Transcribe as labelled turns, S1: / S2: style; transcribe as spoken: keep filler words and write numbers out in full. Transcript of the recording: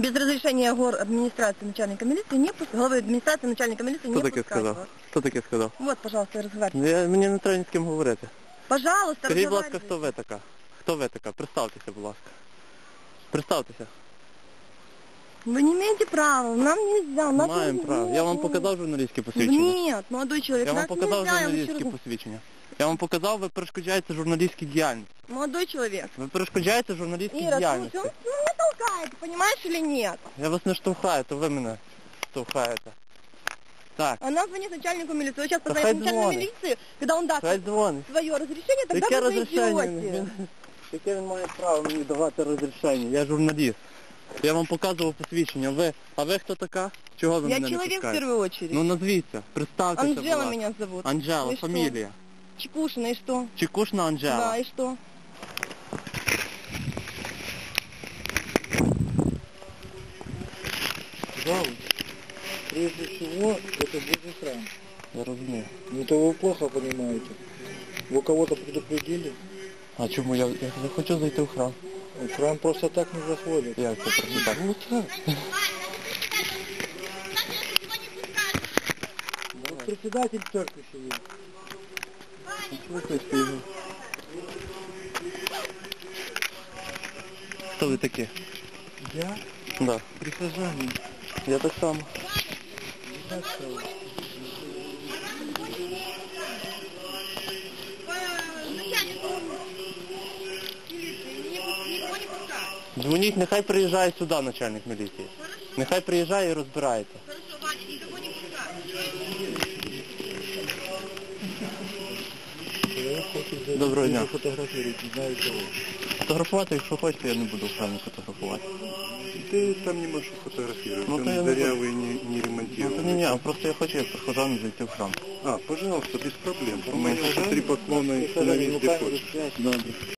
S1: Без разрешения гор администрации начальника милиции не пускаю. Главы администрации начальника милиции не
S2: Хто таке
S1: пускаю.
S2: сказав? Хто таке сказав?
S1: Вот, пожалуйста, разговаривайте.
S2: Я, мені не треба ні з ким говорити.
S1: Пожалуйста,
S2: Скажіть, будь ласка,
S1: разговаривайте.
S2: хто ви така? Хто ви така? Представтеся, будь ласка. Представтеся.
S1: Вы не имеете права, нам нельзя. у нас
S2: Маємо
S1: не-
S2: право. Я вам
S1: нет,
S2: показав журналістське посвідчення?
S1: Нет, молодой человек,
S2: Я вам
S1: нас
S2: показав
S1: нельзя, я вам еще
S2: журналістське
S1: раз-
S2: посвідчення. Я вам показав, ви перешкоджаєте журналістській діяльності.
S1: Молодой человек.
S2: Ви перешкоджаєте журналістській
S1: Ира,
S2: діяльності.
S1: слушай, он ну, меня толкает, понимаешь или нет?
S2: Я вас не штовхаю, то ви мене штовхаєте. Так,
S1: Она звонит начальнику милиции. Вы сейчас
S2: Да
S1: позвоните
S2: хай
S1: начальнику
S2: звонит.
S1: милиции, когда он даст
S2: хай дзвонить.
S1: свое разрешение, тогда
S2: Яке
S1: вы
S2: розрішення?
S1: зайдете.
S2: Він- Яке він має право мені давати розрішення? Я журналіст. Я вам показував посвідчення. Ви, а ви хто така? Чого ви
S1: Я
S2: мене не
S1: человек в
S2: пускаєте?
S1: первую очередь.
S2: Ну назвіться, представтеся, будь
S1: Анжела
S2: ласка.
S1: меня зовут.
S2: Анжела,
S1: И что?
S2: фамілія.
S1: Чекушина, и что?
S2: Чекушна Анжела.
S1: Да, и что?
S3: Пожалуйста. Прежде всего, это Божий храм.
S2: Я розумію.
S3: Это вы плохо понимаете. Вы кого-то предупредили?
S2: А чому я, я не хочу зайти в храм?
S3: В храм просто так не заходят.
S2: Як це просто так?
S3: Вот так. Вот председатель церкви сидит.
S2: Слухайте його. Хто ви такі?
S3: Я
S2: Да.
S3: прихожанин.
S2: Я так само.
S3: Так сказал.
S2: Дзвоніть, нехай приїжджає сюди начальник міліції. Нехай приїжджає і розбирається.
S3: Человек хочет зайти.
S2: Доброго
S3: Вы
S2: дня.
S3: фотографируете, не знаю кого.
S2: Фотографувати, якщо хочете, я не буду в храмі фотографувати.
S4: Ты там не можешь фотографировать,
S2: Ну,
S4: он
S2: то я не
S4: дырявый, не, не
S2: Ну,
S4: ремонтировал.
S2: це не я, просто я хочу як прихожан зайти в храм.
S4: А, пожалуйста, без проблем. У
S2: Мы
S4: меня уже три поклона и
S3: Фотографируете,
S4: становись где
S3: камеру
S4: хочешь.
S3: связь.
S2: Добре.